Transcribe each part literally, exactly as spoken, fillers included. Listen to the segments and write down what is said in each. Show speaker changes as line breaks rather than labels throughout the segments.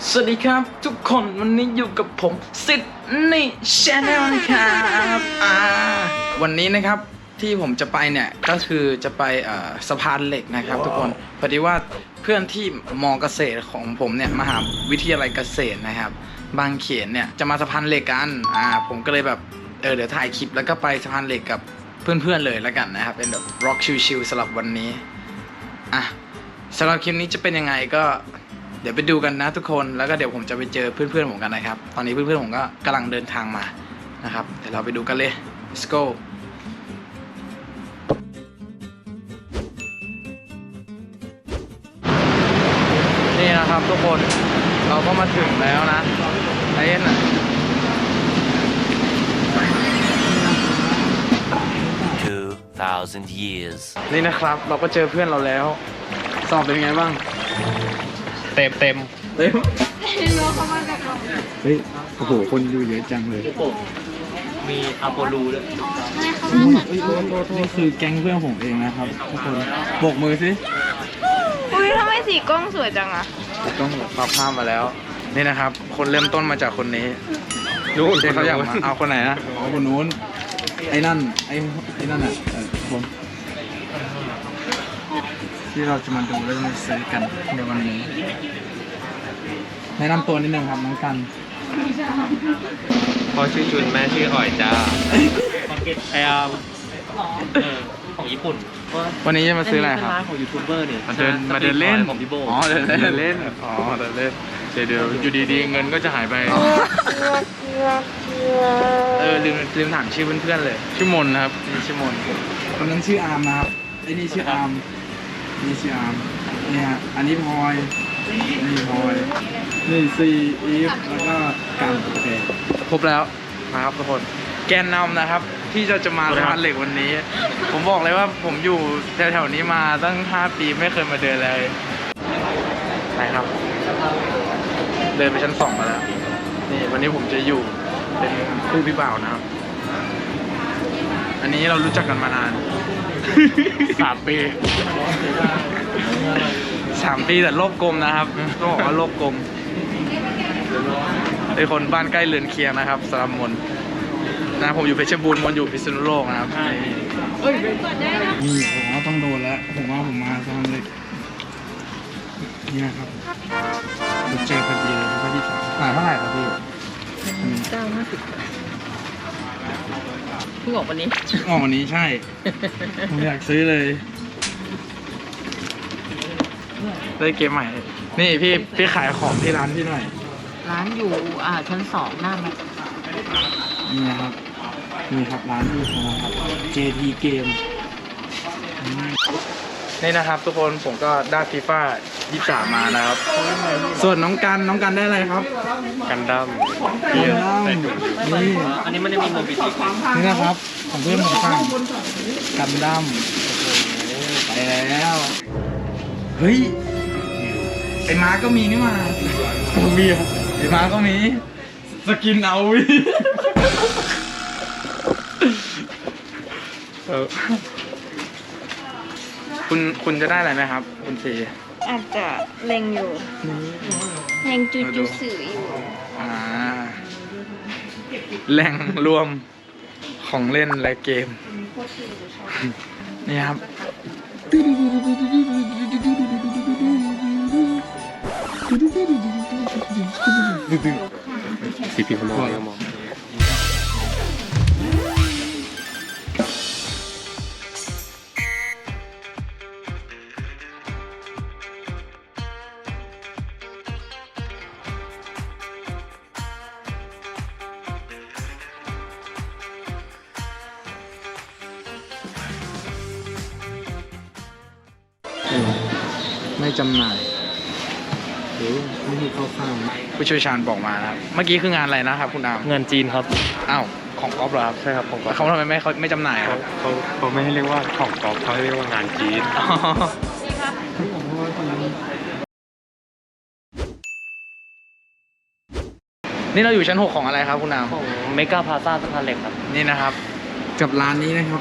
สวัสดีครับทุกคนวันนี้อยู่กับผมซิดนีย์ชาแนลนะครับอ่าวันนี้นะครับที่ผมจะไปเนี่ยก็คือจะไปสะพานเหล็กนะครับทุกคนพอดีว่าเพื่อนที่มอเกษตรของผมเนี่ยมหาวิทยาลัยเกษตรนะครับบางเขนเนี่ยจะมาสะพานเหล็กกันอ่าผมก็เลยแบบเออเดี๋ยวถ่ายคลิปแล้วก็ไปสะพานเหล็กกับเพื่อนๆเลยแล้วกันนะครับเป็นแบบร็อกชิลๆสำหรับวันนี้อ่ะสำหรับคลิปนี้จะเป็นยังไงก็เดี๋ยวไปดูกันนะทุกคนแล้วก็เดี๋ยวผมจะไปเจอเพื่อนๆผมกันนะครับตอนนี้เพื่อนๆผมก็กำลังเดินทางมานะครับเดี๋ยวเราไปดูกันเลย let's go นี่นะครับทุกคนเราก็มาถึงแล้วนะไอ้น่ะ
two thousand years
นี่นะครับเราก็เจอเพื่อนเราแล้วสอบเป็นไงบ้างเต็มเต็มเต็มเฮ้ยโอ้โหคนดูเยอะจังเลย
มีอาโปลูด้วย
นี่คือแก๊งเพื่อนผมเองนะครับทุกคนโบกมือสิ
อุ้ยทำไมสีกล้องสวยจังอะ
ต้องปรับภาพมาแล้วนี่นะครับคนเริ่มต้นมาจากคนนี้รู้ที่เขาอยากมาเอาคนไหนนะเอาคนนู้นไอ้นั่นไอ้ไอ้นั่นอ่ะเออผมที่เราจะมาดูแล้วมาซื้อกันในวันนี้แนะนำตัวนิดนึงครับน้องกัน
พ่อชื่อจุนแม่ชื่ออ่อยจ้าไออาร์ของญี่ปุ่น
วันนี้จะมาซื้ออะไรครับ
ร้านของยูทูบเบอร์เนี่ย
มาเดินมาเดินเล่น
ของพี่โบ
อ๋อเดินเล่นเล่นอ๋อเดินเล่นเดี๋ยวเดี๋ยวอยู่ดีๆเงินก็จะหายไปเออลืมลืมถามชื่อเพื่อนๆเลยชื่อมนนะครับนี่ชื่อมนคนนั้นชื่ออาร์มนะครับไอ้นี่ชื่ออาร์มนี่ชื่ออาร์มเนี่ยอันนี้พลอยนี่พลอยนี่ซีอีฟแล้วก็กันโอเคครบแล้วนะครับทุกคนแกนนำนะครับที่จะจะมาสะพานเหล็กวันนี้ผมบอกเลยว่าผมอยู่แถวๆนี้มาตั้งห้าปีไม่เคยมาเดินเลยไปครับเดินไปชั้นสองมาแล้วนี่วันนี้ผมจะอยู่เป็นคู่พี่บ่าวนะครับอันนี้เรารู้จักกันมานานสามปีสามปีแต่โลกกลมนะครับต้องบอกว่าโลกกลมเป็นคนบ้านใกล้เรือนเคียงนะครับสระมนนะผมอยู่เพชรบูรณ์มนอยู่พิษณุโลกนะครับนี่ผมว่าต้องโดนแล้วผมว่าผมมาสะพานเหล็กนี่นะครับเจอพอดีเลยพอดีสามขายเท่าไหร่ครับพี่
เก้าห้าสิบเพิ่งออกวันนี้
ออกวันนี้ใช่ผมอยากซื้อเลยได้เกมใหม่นี่พี่พี่ขายของที่ร้านพี่หน่อย
ร้านอยู่อ่าชั้นสองหน้ามัน
นี่นะครับนี่ครับร้านที่ของเราครับ เจ ที Game นี่นะครับทุกคนผมก็ได้ฟีฟ่ายี่สิบสามมานะครับส่วนน้องกันน้องกันได้อะไรครับ
กันดั้ม
กันดั้มนี่
อันนี้มันจะมีโมบิลิตี้
นี่นะครับของเพื่อนผมฟังกันดั้มโอ้โหไปแล้วเฮ้ยไอ้ม้าก็มีนี่มามีไอ้ม้าก็มีสกินเอาวิคุณคุณจะได้อะไรไหมครับคุณซี
อาจจะเล็งอยู่เล็งจูจูสื่ออยู่
อ่าแหล่งรวมของเล่นและเกมนี่ครับ
สีผิวมองมอง
ไม่จำหน่ายหรือไม่มีเข้าข้างผู้เชี่ยวชาญบอกมานะครับเมื่อกี้คืองานอะไรนะครับคุณอาม
งานจีนครับ
อ้าวของก๊อฟเหรอครับ
ใช่ครับของก๊อฟ
เขาทำไมไม่เขาไม่จำหน่ายครับ
เขาเขาไม่ให้เรียกว่าของก๊อฟเขาให้เรียกว่างานจีน
นี่เราอยู่ชั้นหกของอะไรครับคุณอาม
ของเมกาพลาซ่าสะพานเหล็กครับ
นี่นะครับกับร้านนี้นะครับ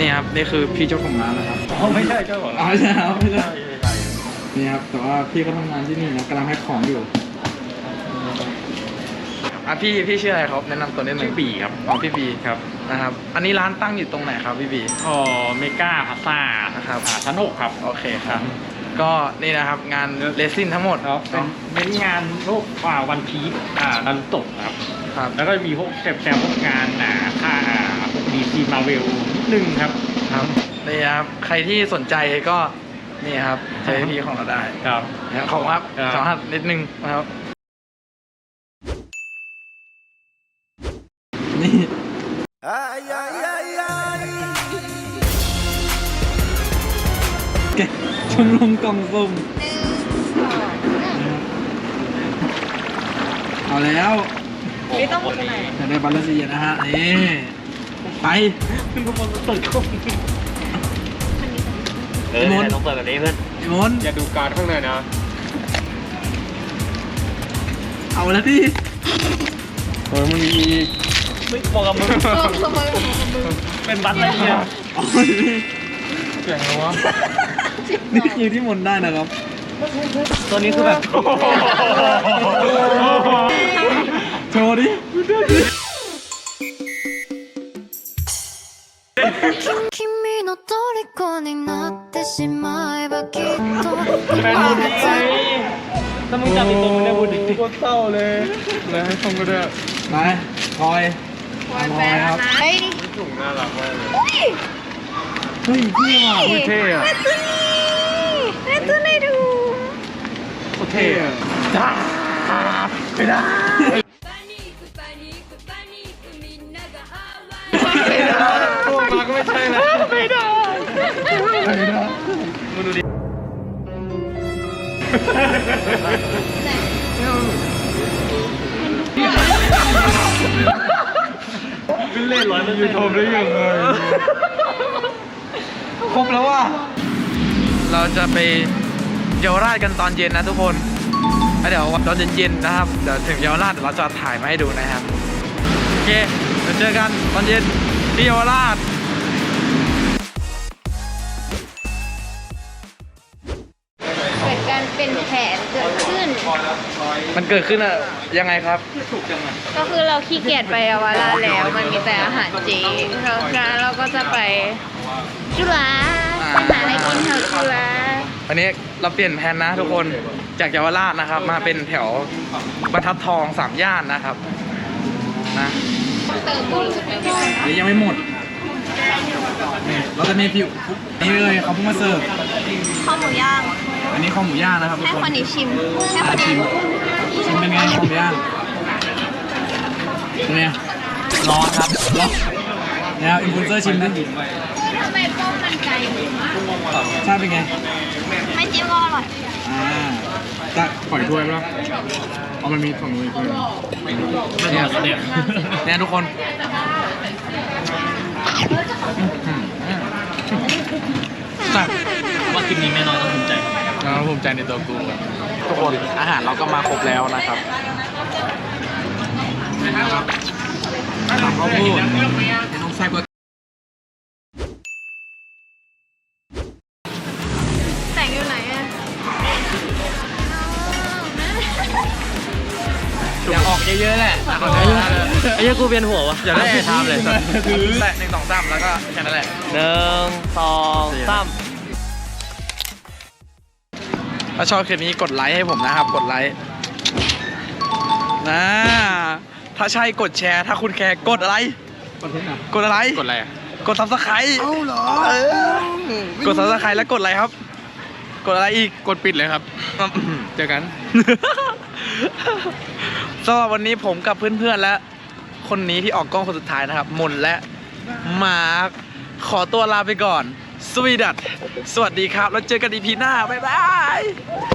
นี่ครับนี่คือพี่เจ้าของร้านนะครับ
อ๋อไม่ใช่เจ้าของ
อ๋อ
ร้าน
ไม่ใช่ครับไม่ใช่
ใช่ใช่
นี่ครับแต่ว่าพี่ก็ทำงานที่นี่นะกำลังแพ็คของอยู่อ่ะพี่พี่ชื่ออะไรครับแนะนำตัวนิดนึง
ชื่อบีครับ
อ๋อพี่บี
ครับ
นะครับอันนี้ร้านตั้งอยู่ตรงไหนครับพี่บี
อ๋อเมกาพาซ่า
นะครับ
อ่าชั้นหกครับ
โอเคครับก็นี่นะครับงานเรซินทั้งหมด
ครับเป็น
เนาะ
เน้นงานพวกอ่าวันพีซอ่านารุโตะครับ
ครับ
แล้วก็มีพวกแซมๆพวกงานอ่าค่าอ่าพวกดีซีมาเวลนิดนึงครับ
ครับนี่ครับใครที่สนใจก็นี่ครับใช้พี่ของเราได้
ครับ
นะครับขอบคุณครับ
ครับ
สองท่านนิดนึงนะครับนี่แกชมรมกล่องสุ่มเอาแล้ว
ไม่ต้องไปไหน
อยากได้บัลลังก์ซีนะฮะนี่ไป
ขึ้นทุกคนตื่นขึ้น
เออเนี่ย
ต้องเปิดแบบนี้เพื่อน
ไอ้มน
อย่าดูการข้างในนะ
เอาแล้วดิ
เออมันมีไม่บอกกับมึงเป็นบัตรอะไรเนี่ย
เอาเลยดิ
เสียงอะไรวะ
นี่คือที่มนได้นะครับ
ตัวนี้คือแบบ
โชว์ดิ
君の虜になってしまえばきっと
แฟนบุญดีถ้ามึงจำอีกตัวมึงได้บุญดี
โคตรเศร้าเลยเลยให้ชมก็ได้ไปคอย
คอยแฟนนะเฮ้ย
ถุงน่ารักมากเลย
อุ้ย
เฮ้ยพี่ว่ะ
อุ้ยเท่อะ
แม่ตัวนี้แม่ตัวไหนดู
โคตรเท่อะจ้าไม่ได้
พวกมาก็ไม่ใช่นะไม่ได้ไม่ได้มาดูดิ
ขึ้นเล่นร้อยมันยูทูบได้ยังไง
ครบแล้วว่ะเราจะไปเยาวราชกันตอนเย็นนะทุกคนแล้วเดี๋ยวตอนเย็นๆนะครับเดี๋ยวถึงเยาวราชเดี๋ยวเราจะถ่ายมาให้ดูนะครับโอเคเดี๋ยวเจอกันตอนเย็นที่เยาวราช
เกิดการเป็นแผนเกิดขึ้น
มันเกิดขึ้นอะยังไงครับ
ก็คือเราขี้เกียจไปเยาวราชแล้ว มันมีแต่อาหารเจแล้วการเราก็จะไปจุฬาไปหาอะไรกินแถวจุฬา
วันนี้เราเปลี่ยนแผนนะทุกคนจากเยาวราชนะครับ มาเป็นแถวบรรทัดทองสามย่านนะครับนะ
เติมบุญ
เดี๋ยวยังไม่หมดนี่เราจะมีผิวนี่เลยเขาเพิ่งมาเสิร์ฟ
ข้าวหมูย่าง
อันนี้ข้าวหมูย่างนะครับทุก
ให้
คน
คนนี้ชิมให้ค
อ่ะ
น
ชิ
นี้
มชิมเป็นไงข้าวหมูย่างเป็นไงร้อนครับร้อนเนี่ยอินฟลูเอนเซอร์ชิมดิ
ทำไมป้องมันไกล
ชาติเป็นไง
ไม่จิ้มก็อร่อย
อ่าจะปล่อยถ้วยไหมล่ะเอามันมีฝั่งนู้นอีกถ้วยเนี่ยเนี่ยเนี่ยทุกคนจัด
ว่าคลิปนี้แม่น้อยต้องภูมิใจ
เราภูมิใจในตัวกูทุกคนอาหารเราก็มาครบแล้วนะครับเขาพูดน้องแซ่บก็
แต่งอยู่ไหนอะ
อยากออกเยอะๆแหละออกเยอะๆ
ไอ้เหี้ยกูเวียนหัววะอย่าได้ทำเลย
แตะหนึ่งสองสามแล้วก็แค่นั้นแหละ
หนึ่งสองสาม
ถ้าชอบคลิปนี้กดไลค์ให้ผมนะครับ กดไลค์นะถ้าใช่กดแชร์ ถ้าคุณแคร์กดอะไร กดอะไร
กดอะไรอ่ะ
กดซับสไครต์เอ้าเหรอ กดซับสไครต์แล้วกดอะไรครับ กดอะไรอีก
กดปิดเลยครับ เจอกัน
สำหรับวันนี้ผมกับเพื่อนๆและคนนี้ที่ออกกล้องคนสุดท้ายนะครับมนและมาร์คขอตัวลาไปก่อน สวีดัตสวัสดีครับ แล้วเจอกันอีพีหน้า บ๊ายบาย